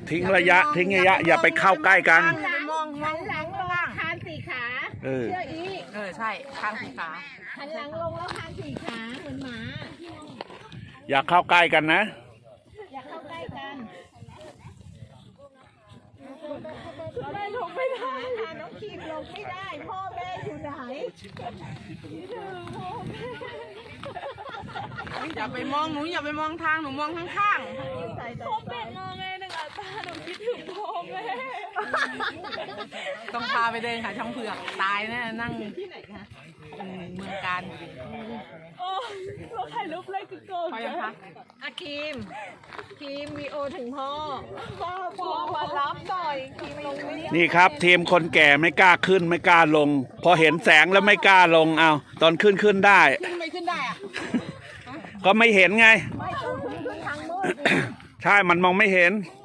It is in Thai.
ทิ้งระยะอย่าไปเข้าใกล้กันหันหลังลงคานสี่ขาเชื่ออีใช่ข้างสี่ขาหันหลังลงแล้วคานสี่ขาเหมือนหมาอย่าเข้าใกล้กันนะอย่าเข้าใกล้กันแม่ลงไม่ได้ค่ะน้องคีมลงไม่ได้พ่อแม่อยู่ไหนอย่าไปมองหนูอย่าไปมองทางหนูมองข้างพ่อแม่มองแม่หนึ่งอ่ะตาหนูคิดถึงพ่อแม่ต้องพาไปเดินหาช่างเผือกตายแน่นั่งที่ไหนคะเมืองการโอ้เราถ่ายรูปเลยคือโกงพอยังคะอาคีมวีโอถึงพ่อมารับหน่อยคีมลงไม่ได้นี่ครับทีมคนแก่ไม่กล้าขึ้นไม่กล้าลงพอเห็นแสงแล้วไม่กล้าลงเอาตอนขึ้นได้ไม่ขึ้นได้อะก็ไม่เห็นไงไม่ต้องขึ้นทางมืดใช่มันมองไม่เห็น